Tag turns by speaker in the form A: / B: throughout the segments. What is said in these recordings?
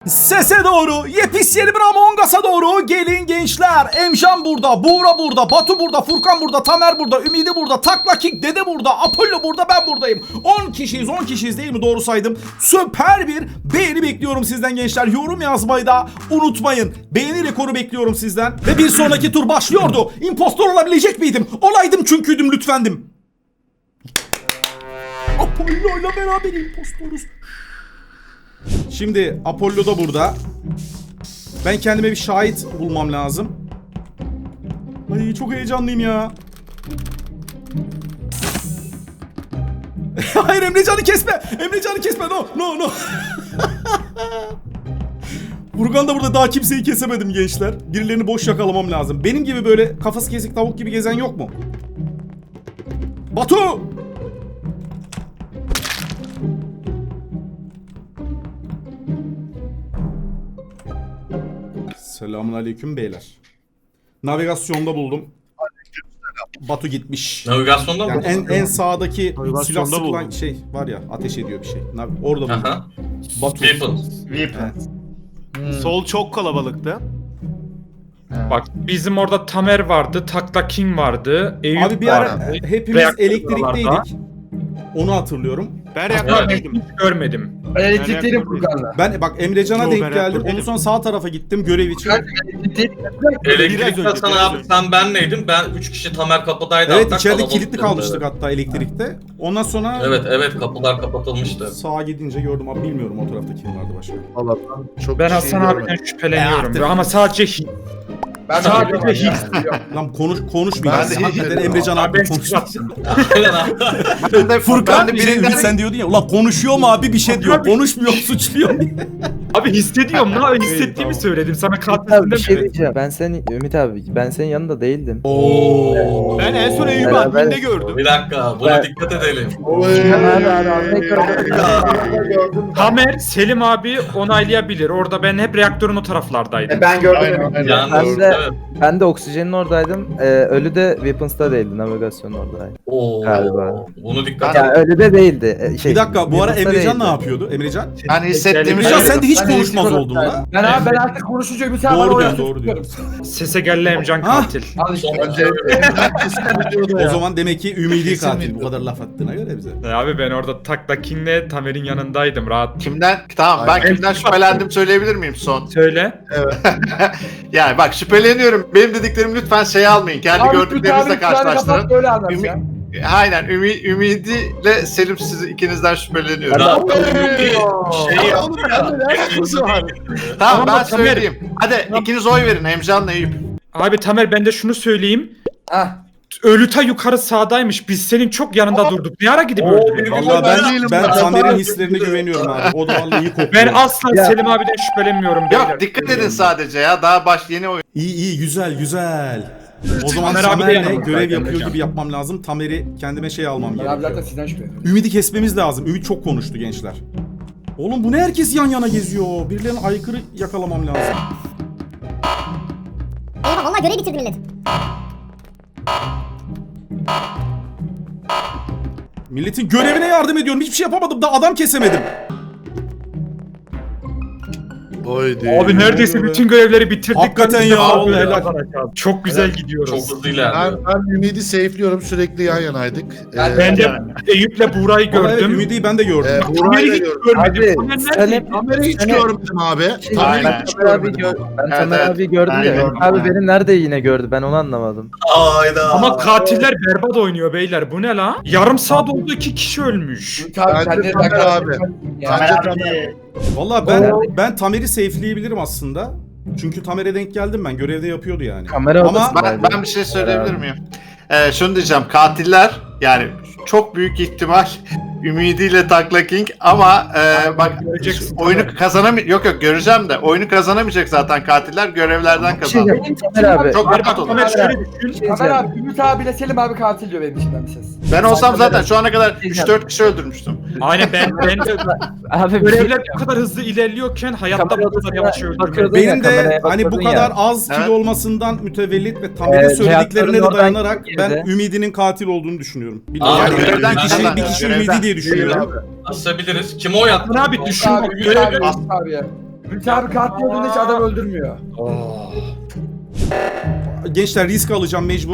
A: Sese doğru, yepis yeni bir Among Us'a doğru gelin gençler. Emcan burada, Buğra burada, Batu burada, Furkan burada, Tamer burada, Ümidi burada, Takla King Dede burada, Apollo burada, ben buradayım. 10 kişiyiz değil mi? Doğru saydım. Süper bir beğeni bekliyorum sizden gençler. Yorum yazmayı da unutmayın. Beğeni rekoru bekliyorum sizden. Ve bir sonraki tur başlıyordu. İmpostor olabilecek miydim? Olaydım çünküydüm, lütfendim. Apollo'yla beraber impostoruz. Şimdi Apollo da burada. Ben kendime bir şahit bulmam lazım. Ay çok heyecanlıyım ya. Hayır, Emrecan'ı kesme. Emrecan'ı kesme. No. Furkan da burada, daha kimseyi kesemedim gençler. Birilerini boş yakalamam lazım. Benim gibi böyle kafası kesik tavuk gibi gezen yok mu? Batu! Selamünaleyküm beyler. Navigasyonda buldum. Batu gitmiş.
B: Navigasyonda mı?
A: Yani en sağdaki silah
C: Navigasyonda
A: sıkılan
C: buldum.
A: şey var ya, ateş ediyor bir şey. Orada buldum.
B: Aha.
A: Batu.
B: Weapon.
A: Evet.
C: Sol çok kalabalıktı.
D: Bak bizim orada Tamer vardı, Takla King vardı, Eyüp
A: Abi bir
D: vardı.
A: ara hepimiz
D: Reaktör
A: elektrikteydik. Onu hatırlıyorum.
C: Ben reaktördeydim.
D: Hiç görmedim.
E: Ben elektrikteydim Furkan'la.
A: Ben bak Emrecan'a
C: Yo,
A: denk
C: ben
A: geldim.
C: reaktördeydim.
A: Ondan sonra sağ tarafa gittim görev için.
B: Elektrikte
C: Biraz
B: sana
C: önce,
B: abi sen ben neydim? Ben 3 kişi Tamer kapıdaydı.
A: Evet,
B: hatta
A: içeride
B: kalabalıktı.
A: kilitli kalmıştık hatta elektrikte. Ondan sonra
B: Evet kapılar kapatılmıştı.
A: sağa gidince gördüm abi, bilmiyorum o tarafta kim vardı başka.
F: Allah'tan çok
D: Ben
F: bir şey
D: Hasan
F: görmedim.
D: abiden şüpheleniyorum.
A: artık.
D: Ama sadece
E: Ben
D: Sadece
E: hiç.
A: Lan konuşmayacağız.
F: Ben de hiç
A: Hakikaten
F: dedim.
A: Emrecan abi
D: Ben
A: konuşacak.
B: Aynen abi.
F: Ben de
A: Furkan
F: ben de
A: birinden
F: birinden
A: sen diyordun ya, ulan konuşuyor mu abi, bir şey diyor. Konuşmuyor, suçluyor diye.
D: abi hissediyorum lan, hissettiğimi
A: tamam.
D: söyledim sana,
G: Abi
D: katilinde
G: bir şey
D: mi?
G: diyeceğim. Ümit abi ben senin yanında değildim.
A: Oo.
C: Ben en son Eyüp'ü
G: Beraber-
C: adminde gördüm.
B: Bir dakika buna dikkat edelim.
D: Tamer, Selim abi onaylayabilir. Orada ben hep reaktörün o taraflardaydım.
E: Ben gördüm.
B: Yalnız
G: Ben de-
B: evet.
G: Ben de oksijenin oradaydım. Ölü de Weapons'ta değildi. Navigasyonun oradaydı.
B: Oo.
G: Galiba.
B: Bunu dikkat
G: Ya ölü de değildi.
A: Bir dakika, bu ara
G: Weapons'ta
A: Emrecan ne
G: değildi.
A: yapıyordu? Emrecan?
F: Ben hissettiğimi
A: Emrecan
F: söyledim.
A: sen de hiç
E: Ben
A: konuşmaz
E: elektrik
A: oldun lan.
E: Ben artık konuşunca bir tane
A: Doğru
E: bana
A: diyorsun,
E: oraya
A: doğru diyorsun.
D: Sese gelle Emcan
A: Ha?
D: katil.
E: Al işte.
F: Önce Emrecan kesin biliyordu
A: O
F: ya.
A: zaman demek ki ümidi
F: Kesin
A: katil, bu
F: bilmiyorum.
A: kadar laf attığına göre bize.
D: Abi ben orada Takla King'le Tamer'in yanındaydım, rahat.
F: Tamam ben Aynen. kimden şüphelendim söyleyebilir miyim son?
D: Söyle.
F: Yani bak şüpheleniyorum. Benim dediklerimi lütfen almayın. Kendi
E: Abi,
F: gördüklerinizle
E: abi, kapat,
F: karşılaştırın.
E: böyle anlat ya.
F: Aynen Ümidi'yle Selim siz ikinizden şüpheleniyorum.
B: Daha şey
F: Tamam
D: Ama
F: ben
D: Tamer-
F: söyleyeyim. Hadi ikiniz oy verin Emcan'la Eyüp.
D: Abi Tamer, ben de şunu söyleyeyim.
E: Hah.
D: Ölüta yukarı sağdaymış. Biz senin çok yanında durduk. Ne ara gidip öldürdün?
A: Vallahi
F: Ben değilim
A: ben
F: ben.
A: Tamer'in hislerine güveniyorum abi. O da vallahi iyi kokuyor.
D: Ben asla
G: Ya.
D: Selim abiden şüphelenmiyorum. beyler.
F: Yok dikkat edin sadece ya. Daha yeni oyun.
A: İyi güzel. O zaman
D: Tamer abi de
A: Tamer'le
D: yanımızda
A: görev
D: zaten
A: yapıyor
D: hocam.
A: gibi yapmam lazım. Tamer'i kendime şey almam
E: Ben abi zaten
A: gerekiyor.
E: sizden şüpheleniyorum.
A: Ümidi kesmemiz lazım. Ümit çok konuştu gençler. Oğlum bu ne, herkes yan yana geziyor. Birilerine aykırı yakalamam lazım.
H: Eyvah vallahi görev bitirdi millet.
A: Milletin görevine yardım ediyorum. Hiçbir şey yapamadım da adam kesemedim.
F: Oydu.
D: Abi neredeyse bütün görevleri bitirdik.
A: Hakikaten
D: Ben
A: ya,
D: abi
A: vallahi helal.
D: kazanacağız. Çok güzel gidiyoruz.
B: Çok hızlı ilerliyor.
F: Ben Ümidi safe'liyorum. Sürekli yan yanaydık.
D: Ben de Eyüp'le Buğra'yı
A: Vallahi evet,
D: gördüm.
A: Ümidi'yi ben de gördüm.
D: Tamer'i hiç görmedim.
G: Abi
D: Tamer
G: sen
D: nerede?
F: Tamer'i hiç
G: Seni-
F: görmedim abi.
G: Ben Tamer
F: Evet,
G: abi gördüm
F: ben
G: ya.
F: gördüm.
G: Abi benim nerede yine gördü, ben onu anlamadım.
B: Hayda.
D: Ama katiller berbat oynuyor beyler. Bu ne la? Yarım saat oldu, 2 kişi ölmüş.
E: Ümit abi
F: Bence
E: sen de
F: Tamer abi.
E: Ya.
A: Vallahi ben Tamer'i safe'leyebilirim aslında. Çünkü Tamer'e denk geldim ben. Görevde yapıyordu yani.
G: Kamera
A: Ama
G: odasındaydı.
F: Ben bir şey söyleyebilir miyim? Şunu diyeceğim. Katiller yani çok büyük ihtimal ümidiyle Takla King ama bak
D: Göreceksin.
F: oyunu kazanamayacak. Yok göreceğim de oyunu kazanamayacak zaten katiller görevlerden
G: Bir şey
F: kazandı.
G: diyeceğim, Tamer abi.
F: Çok
D: Bak
F: rahat olun.
D: Tamer şöyle düşün.
E: Tamer abi, Ümit abiyle Selim abi katil diyor benim içimden bir ses.
F: Ben olsam zaten şu ana kadar 3-4 kişi öldürmüştüm.
D: Aynen ben de
G: Abi bir şey
D: görevler bu kadar hızlı ilerliyorken hayatta
G: Kamera
D: bu kadar
G: odasına
D: yavaş öldürmek.
G: bakıyordum.
A: benim de
G: Kameraya
A: hani bu
G: bakıyordun
A: kadar
G: ya.
A: az kill
F: Evet.
A: olmasından mütevellit ve Tamer'in söylediklerine de
G: reaktörün oradan
A: dayanarak ben
G: girdi.
A: Ümidinin katil olduğunu düşünüyorum.
B: Aa,
A: Yani
F: görevden
A: bir kişi,
F: kazandı.
A: bir kişi
F: Görevden.
A: Ümidi diye düşünüyorum.
B: Asabiliriz. Kim o yattı?
D: Abi düşün bak,
E: Ümit abi,
D: görev
E: Ümit abi ya. Ümit abi katil olduğunda hiç adam öldürmüyor.
A: Gençler risk alacağım mecbur.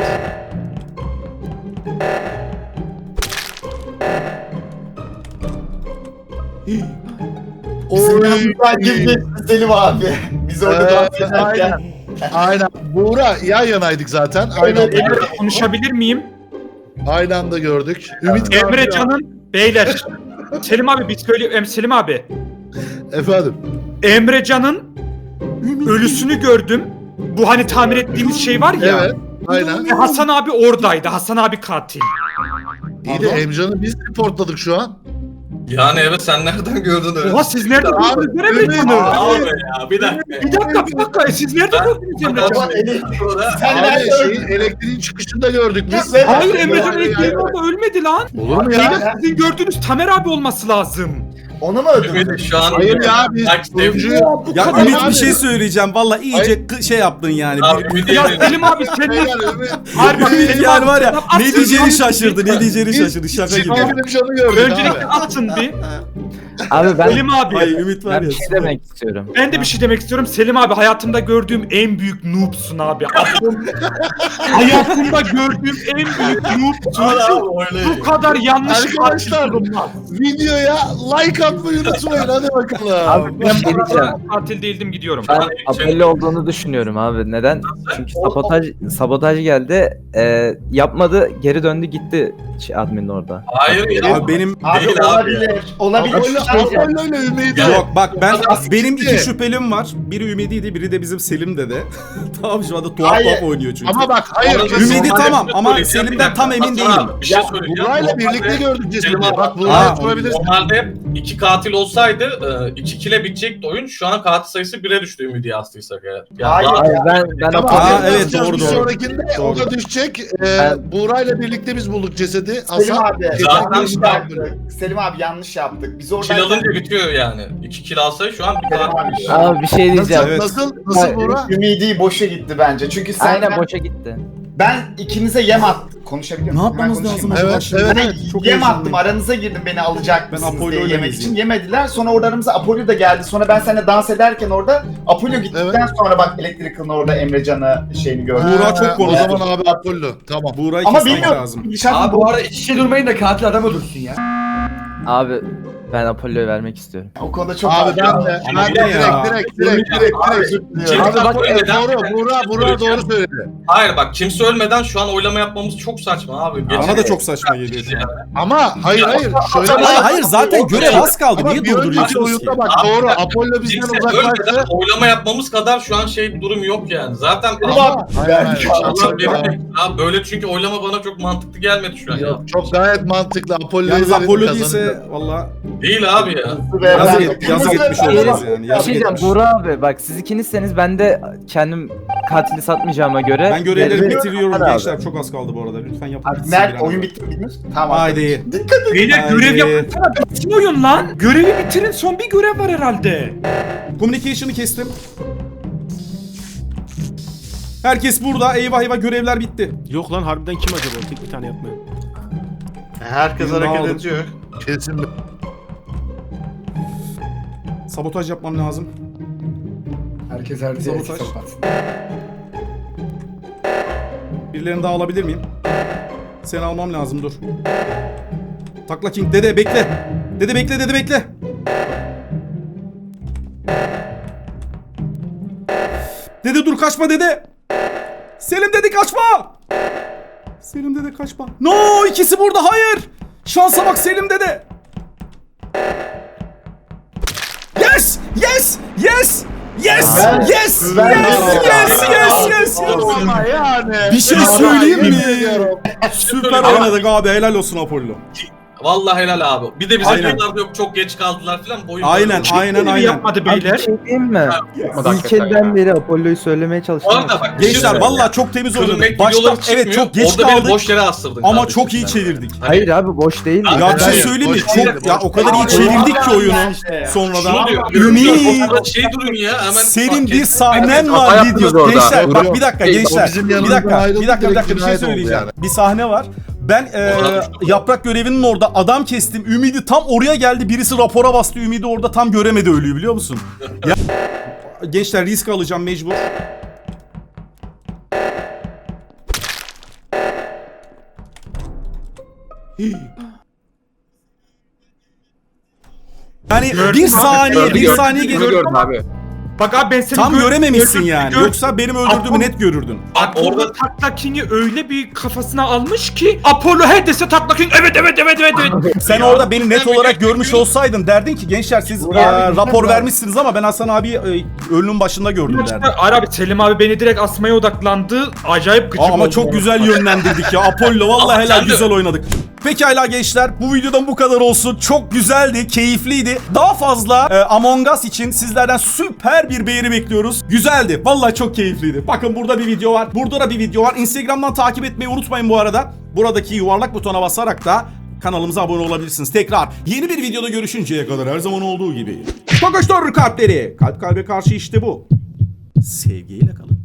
H: Ben gibi Selim abi. Biz orada dans ederken.
I: Aynen. Buğra yan yanaydık zaten. Aynı anda,
D: Emre konuşabilir miyim?
I: aynı anda gördük. Ümit
D: Emrecan'ın beyler. Selim abi bir söyleyeyim. Selim abi.
I: Efendim.
D: Emrecan'ın ölüsünü gördüm. Bu hani tamir ettiğimiz şey var ya.
I: Evet. Aynen.
D: Ve Hasan abi oradaydı. Hasan abi katil.
I: İyi de Emcan'ı biz reportladık şu an.
B: Yani evet sen nereden gördün öyle?
D: Oha siz nerede
I: Abi,
D: gördünüz Emrecan'ı?
B: Abi ya bir dakika.
D: Bir dakika. Siz nerede gördünüz Emrecan'ı?
H: Sen
I: Abi
H: nerede
I: elektriğin çıkışında gördük biz.
D: Hayır Emrecan elektriğin orada ölmedi lan.
I: Olur mu ya?
D: Sizin gördüğünüz Tamer abi olması lazım.
H: Onu mu öldürdün?
B: Ümit şu an
I: Hayır ya biz turuncuyu...
A: Ya
D: kadar
A: Ümit
I: abi.
A: bir şey söyleyeceğim. Valla iyice şey yaptın yani.
B: Abi Ümit
D: Ya
B: yemin
D: Selim abi sen ne?
I: Beyler, Ümit.
D: Hayır bak
A: Ümit
D: Selim
A: yani
D: abi,
A: var ya
D: sen
A: ne
D: atsın
A: diyeceğini
D: abi.
A: şaşırdı. Ne diyeceğini şaşırdı. Şaka gibi.
I: Emcan'ı gördük
D: Öncelikle
I: abi.
D: atın bir.
G: Abi ben,
D: Selim abi.
A: Ay Ümit var
G: ben
A: ya.
G: bir şey demek istiyorum.
D: Ben de bir şey demek istiyorum. Selim abi hayatımda gördüğüm en büyük noobsun abi. Hayatımda gördüğüm en büyük noobsun. Bu kadar yanlış
I: Arkadaşlar,
D: katil olmaz.
I: Videoya like atmayı unutmayın. Hadi bakalım.
G: Abi bir şey diyeceğim.
D: Katil değildim gidiyorum.
G: Ben Apollo olduğunu düşünüyorum abi. Neden? Çünkü sabotaj geldi. Yapmadı, geri döndü gitti admin orada.
B: Hayır ya.
A: Abi benim
H: Abi
B: Değil abi
H: olabilir. Olabilir.
I: Apollo ile Ümidi.
B: Ya,
A: yok bak ben
B: Nasıl
A: benim
I: çıktı?
A: iki şüphelim var. Biri Ümidi'ydi, biri de bizim Selim dede. Tamam şu anda tuhaf
H: Hayır.
A: tuhaf oynuyor çünkü.
I: Ama bak hayır.
B: Ümidi
A: Ümidi
B: Hadi,
A: tamam
B: bir
A: ama
B: söyleyeceğim,
A: Selim'den
B: bir
A: tam
B: dakika.
A: emin
B: Hasan
A: değilim.
B: abi, bir şey söyleyeceğim.
I: Burayla birlikte
B: Normalde-
I: gördük cesedi.
B: Selim abi,
I: Bak
A: Aa,
I: Burayla sorabiliriz.
B: Normalde iki katil olsaydı 2-2'le bitecekti oyun. Şu an katil sayısı 1'e düştü Ümidi'yi astıysak eğer. Yani
H: Hayır.
B: daha-
G: Hayır, ben
I: Tamam,
A: Aa,
I: hadi
A: evet,
I: yapacağız.
A: doğru,
I: Bir
A: doğru.
I: sonrakinde o da düşecek. Buğra'yla birlikte biz bulduk cesedi.
H: Selim abi.
B: Zaten
H: Yanlış
B: şu
H: yaptık. Selim abi yanlış yaptık. Biz
B: Kill
H: orada
B: alınca bitiyor yani. 2 kill alsa şu an bir katil.
G: Abi bir şey
I: Nasıl,
G: diyeceğim.
A: Evet.
I: nasıl Buğra?
H: Ümidi boşa gitti bence. Çünkü sen
G: Aynen boşa gitti.
H: ben ikinize yem attım. Konuşabiliyor
A: Ne
H: muyum?
A: yapmamız
H: Ben konuşayım
A: lazım
H: mı?
I: Evet,
A: acaba şimdi?
I: evet,
H: Ben
I: evet.
A: Çok
H: yem
A: heyecanlıyım.
H: attım. Aranıza girdim beni alacak
A: Ben
H: mısınız
A: Apollo'yla
H: diye yemek
A: gezeyim.
H: için. Yemediler. Sonra orada aramıza Apollo da geldi. Sonra ben seninle dans ederken orada Apollo gittikten sonra bak Electrical'ın orada Emrecan'ı şeyini gördüm.
A: Buğra çok
I: O
A: korktu.
I: zaman abi Apollo. Tamam.
A: Buğra'yı
H: Ama
A: kesmek
H: bilmiyorum.
A: lazım.
E: Abi bu arada iç içe durmayın da katil adam öldürsün ya.
G: Abi ben Apollo'yu vermek istiyorum.
H: O konuda çok
I: Abi ben de.
A: Ama
I: Ben de
A: bu ne ya?
I: direkt.
B: Kim
I: Abi bak
B: Apollo neden-
I: doğru. Buğra doğru söyledi.
B: Hayır bak kimse ölmeden şu an oylama yapmamız çok saçma abi.
A: Bana da çok saçma geliyor şu an.
I: Ama hayır. Şöyle
A: Hayır zaten görev az kaldı.
I: Ama
A: Niye
I: bir önceki
A: durduruyorsunuz ki?
I: oyunda bak doğru. Apollo bizden
B: Kimse
I: uzaklaştı.
B: ölmeden oylama yapmamız kadar şu an şey bir durum yok yani. Zaten
I: Ama
B: Allah
I: Çok-
B: bilir. Abi böyle çünkü oylama bana çok mantıklı gelmedi şu an ya.
I: Çok gayet mantıklı. Apollo'yu
A: Yalnız
I: verelim,
A: Apollo
I: kazanacak.
A: değilse valla
B: Değil abi ya.
A: yazık etmiş oluruz yani.
G: Bir
A: Yazık
G: şey diyeceğim
A: etmiş.
G: Buğra abi bak siz ikinizseniz ben de kendim katili satmayacağıma göre.
A: Ben görevleri
G: Yani-
A: bitiriyorum
G: Hadi abi.
A: gençler. Çok az kaldı bu arada. Lütfen yapın.
H: Abi, Mert oyun bitti mi bilmiyoruz? Tamam.
A: Haydi.
H: Dikkat edin.
D: Beyler
A: Haydi.
D: görev yapsana. Bitsin oyun lan. Görevi bitirin. Son bir görev var herhalde.
A: Communication'ı kestim. Herkes burada. Eyvah eyvah görevler bitti.
C: Yok lan harbiden kim acaba? Tek bir tane yapmıyor.
F: Herkes
A: Birini
F: hareket
A: aldım.
F: ediyor.
I: Kesin.
A: Sabotaj yapmam lazım.
E: Herkes her diye
A: Sabotaj.
E: sapatsın.
A: Birilerini daha alabilir miyim? Seni almam lazım dur. Takla King dede bekle. Dede bekle dede bekle. Dede dur kaçma dede. Selim dede kaçma. Selim dede kaçma. No ikisi burada hayır. Şansa bak Selim dede. Yes! Yes! Yes! Yes! Yes! Yes! Yes! Yes! Yes!
I: Ama yani.
A: Bir şey
I: Ama
A: söyleyeyim
I: yemin
A: mi?
I: ediyorum.
A: Süper oynadık abi helal olsun Apollo.
B: Vallahi helal abi. Bir de bize
A: Aynen.
B: diyorlar yok çok geç kaldılar falan. Boyun
A: Aynen aynen
D: Görevi
A: aynen.
D: yapmadı
G: Abi bir
D: beyler.
G: şey diyeyim mi? İlk elden beri Apollo'yu söylemeye
B: Bu
G: çalıştım.
B: arada bak bir şey
A: Gençler
B: söyleyeyim.
A: vallahi çok temiz
B: Kırım
A: oynadık.
B: et
A: Başta
B: videoları çıkmıyor.
A: evet çok geç
B: Orada beni
A: kaldık
B: boş yere astırdın.
A: ama
B: kardeşim
A: çok iyi
B: sen.
A: çevirdik.
B: Hani-
G: Hayır abi boş değil.
B: Abi,
A: Ya bir şey
I: Hayır,
A: söyleyeyim mi?
I: boş değil,
A: Çok ya
I: boş
A: o kadar iyi
H: değil.
A: çevirdik ki oyunu
B: Şunu
A: sonradan.
B: diyor.
A: Ümit.
B: Ortada şey durun ya. Hemen
A: Senin
B: bak,
A: bir sahnen var
G: yaptınız
A: video.
G: orada.
A: Gençler bak
I: Vuruyor.
A: bir dakika
I: O
A: gençler.
I: bizim
A: Bir
I: yanımızdan
A: dakika
I: ayrıldı,
A: bir dakika
I: direkt
A: bir şey
I: cinayet oldu
A: söyleyeceğim.
I: yani.
A: Bir sahne var. Ben yaprak görevinin orada adam kestim. Ümidi tam oraya geldi. Birisi rapora bastı. Ümidi orada tam göremedi ölüyü biliyor musun? Ya, gençler risk alacağım mecbur. Yani
D: Gördüm
A: bir
D: abi,
A: saniye, bir
D: gördüm,
A: saniye
D: gördüm.
A: geliyor.
C: Gördüm abi.
D: Bak abi ben seni
A: Tam görememişsin
D: gördüm,
A: yani.
D: gördüm.
A: Yoksa benim öldürdüğümü net görürdün.
D: Bak orada Takla King'i öyle bir kafasına almış ki Apollo her dese Takla King evet.
A: Sen orada beni net olarak görmüş olsaydın derdin ki gençler siz rapor vermişsiniz ama ben Hasan abi ölünün başında gördüm derdin.
D: Hayır abi Selim abi beni direkt asmaya odaklandı. Acayip gıcık
A: Ama
D: oldum
A: çok
D: ona.
A: güzel yönlendirdik ya. Apollo vallahi helal
B: sen de-
A: güzel oynadık. Pekala gençler bu videodan bu kadar olsun. Çok güzeldi, keyifliydi. Daha fazla Among Us için sizlerden süper bir beğeni bekliyoruz. Güzeldi. Vallahi çok keyifliydi. Bakın burada bir video var. Burada da bir video var. Instagram'dan takip etmeyi unutmayın bu arada. Buradaki yuvarlak butona basarak da kanalımıza abone olabilirsiniz. Tekrar yeni bir videoda görüşünceye kadar her zaman olduğu gibi. Kokuştur kalpleri. Kalp kalbe karşı işte bu. Sevgiyle kalın.